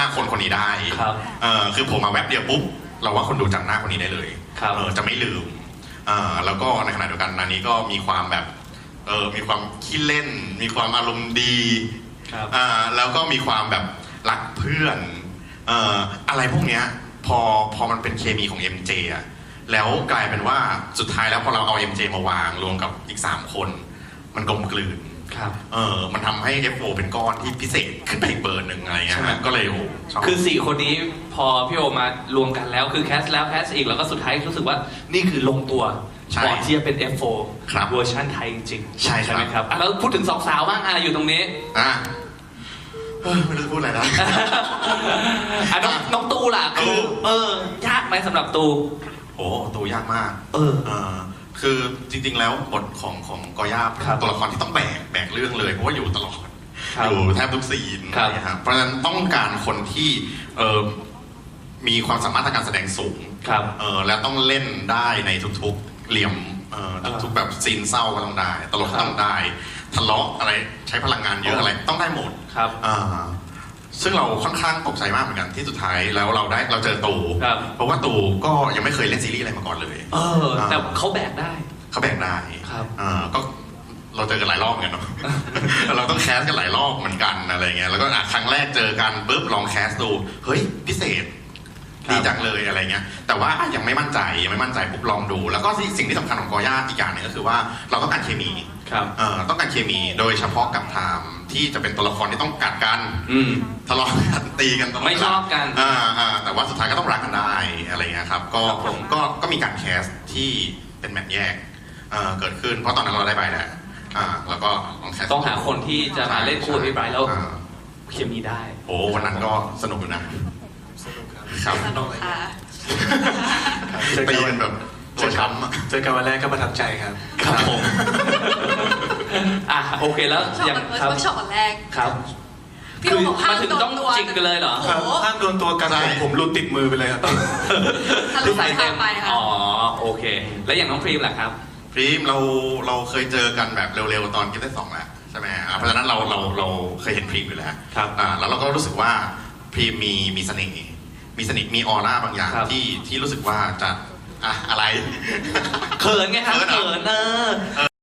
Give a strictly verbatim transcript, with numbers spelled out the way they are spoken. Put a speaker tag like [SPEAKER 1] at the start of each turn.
[SPEAKER 1] คนคนนี้ได้
[SPEAKER 2] ครับ
[SPEAKER 1] เออคือผมมาแวบเดียวปุ๊บเราว่าคนดูจำหน้าคนนี้ได้เลยเออจะไม่ลืมอ่าแล้วก็ในขณะเดียวกันอันนี้ก็มีความแบบเออมีความขี้เล่นมีความอารมณ์ดีอ่าแล้วก็มีความแบบรักเพื่อนเอ่ออะไรพวกเนี้ยพอพอมันเป็นเคมีของ เอ็ม เจ อ่ะแล้วกลายเป็นว่าสุดท้ายแล้วพอเราเอา เอ็ม เจ มาวางรวมกับอีกสามคนมันกลมกลืนเออมันทำให้ เอฟ โอ เป็นก้อนที่พิเศษขึ้นไปอีกเบอร์หนึ่งอะไรเงี้ยก็เลยโอ้ชอบ
[SPEAKER 2] คือสี่คนนี้พอพี่โอมารวมกันแล้วคือแคสแล้วแคสอีกแล้วก็สุดท้ายรู้สึกว่านี่คือลงตัวก่อนที่จะเป็น เอฟ โฟร์ เวอร์ชันไทยจริง
[SPEAKER 1] ใช่
[SPEAKER 2] ใช่ไหมครับแล้วพูดถึงสองสาวบ้างอ่ะอยู่ตรงนี้
[SPEAKER 1] อ่ะไม่รู้จะพูดอะไรนะ
[SPEAKER 2] อ่ะน้องน้องตูล่ะคือเออยากไหมสำหรับตู
[SPEAKER 1] โอ้ตูยากมาก
[SPEAKER 2] เออ
[SPEAKER 1] คือจริงๆแล้วบทของของกอย่าตัวละครที่ต้องแบกแบกเรื่องเลยเพราะว่าอยู่ตลอดอยู่แทบทุกซีนนะครับเพราะฉะนั้นต้องการคนที่เออมีความสามารถทางการแสดงสูงเออและต้องเล่นได้ในทุกๆเหลี่ยมเออทุกๆแบบซีนเศร้าก็ต้องได้ตลกก็ต้องได้ทะเลาะอะไรใช้พลังงานเยอะอะไรต้องได้หมด
[SPEAKER 2] ครับ
[SPEAKER 1] ซึ่งเราค่อนข้างตกใจมากเหมือนกันที่สุดท้ายแล้วเราได้เราเจอตูเพราะว่าตูก็ยังไม่เคยเล่นซีรีส์อะไรมาก่อนเลย
[SPEAKER 2] เออแต่เขาแบกได้
[SPEAKER 1] เขาแบกได้
[SPEAKER 2] ครับ
[SPEAKER 1] ก็เราเจอกันหลายรอบเหมือนกันเนาะเราต้องแคสกันหลายรอบเหมือนกันอะไรเงี้ยแล้วก็ครั้งแรกเจอกันปุ๊บลองแคสดูเฮ้ยพิเศษดีจังเลยอะไรเงี้ยแต่ว่ายังไม่มั่นใจยังไม่มั่นใจปุ๊บลองดูแล้วก็สิ่งที่สำคัญของกอย่าอีกอย่างหนึ่งก็คือว่าเราต้องการเคมีต้องการเคมีโดยเฉพาะกับไทม์ที่จะเป็นตัวละครที่ต้องกัดกันทะเลาะกันตีกัน
[SPEAKER 2] ไม่ชอบกัน
[SPEAKER 1] แต่ว่าสุดท้ายก็ต้องรักกันได้อะไรเงี้ยครับก็ก็ก็มีการแคสที่เป็นแมทแยกเกิดขึ้นเพราะตอนนั้นเราได้ใบแล้วแล้วก็
[SPEAKER 2] ต้องแคสต้องหาคนที่จะมาเล่นคู่พี่ไบรท์แล้วเคมีได้
[SPEAKER 1] โอ้วันนั้นก็สนุกอยู่นะ
[SPEAKER 3] สนุกครับ
[SPEAKER 1] ครับ
[SPEAKER 3] สนุกค่ะ
[SPEAKER 1] ตีกันแบบตัวช้ำ
[SPEAKER 3] เจอกันวันแรกก็ประทับใจครับ
[SPEAKER 1] ครับผม
[SPEAKER 2] อ่ะโอเคแล้ว
[SPEAKER 4] อย่างเวิร์กช็อปวันแรก
[SPEAKER 2] ครับ
[SPEAKER 4] คือ
[SPEAKER 2] มาถึงต้องจริงกันเลยเหรอ
[SPEAKER 3] ห้ามโดนตัวกันผมรูดติดมือไปเลยครับ
[SPEAKER 4] คือใส่เต็มไป
[SPEAKER 2] อ๋อโอเคแล้วอย่างน้องพรีมล่ะครับ
[SPEAKER 1] พรีมเราเราเคยเจอกันแบบเร็วๆตอนกิฟต์ได้สองแล้วใช่ไหมเพราะฉะนั้นเราเราเราเคยเห็นพรีมอยู่แล้ว
[SPEAKER 2] ครับ
[SPEAKER 1] แล้วเราก็รู้สึกว่าพรีมมีมีเสน่ห์มีเสน่ห์มีออร่าบางอย่างที่ที่รู้สึกว่าจะอะอะไร
[SPEAKER 2] เขินไงครับเขินเออ